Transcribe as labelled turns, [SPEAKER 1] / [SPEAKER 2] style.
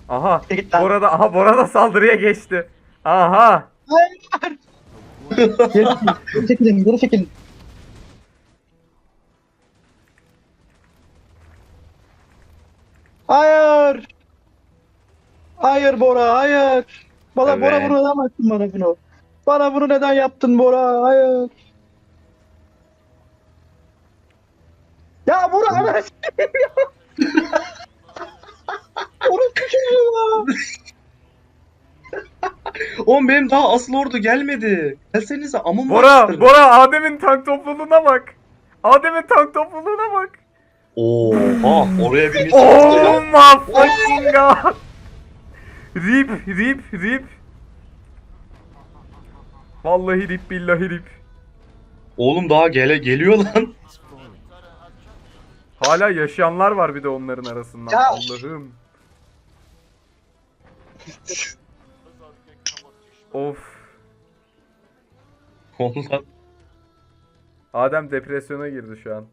[SPEAKER 1] Aha.
[SPEAKER 2] Git lan.
[SPEAKER 1] Bora da saldırıya geçti. Aha.
[SPEAKER 2] Geri çekilin, geri çekilin. Hayır. Hayır Bora, hayır. Bora
[SPEAKER 3] Evet.
[SPEAKER 2] bunu neden yaptın bana bunu? Bana bunu neden yaptın Bora? Hayır. Ya Bora ana Onun çocuğu ya.
[SPEAKER 3] Oğlum benim daha asıl ordu gelmedi. Gelsenize amın
[SPEAKER 1] Bora Adem'in tank topluluğuna bak. Adem'in tank topluluğuna bak.
[SPEAKER 3] Oha oraya bir
[SPEAKER 1] Oh my fucking god. Rip. Vallahi rip billahi rip.
[SPEAKER 3] Oğlum daha geliyor lan.
[SPEAKER 1] Hala yaşayanlar var bir de onların arasından.
[SPEAKER 2] Ya.
[SPEAKER 1] Allah'ım. Of.
[SPEAKER 3] Ondan
[SPEAKER 1] Adem depresyona girdi şu an.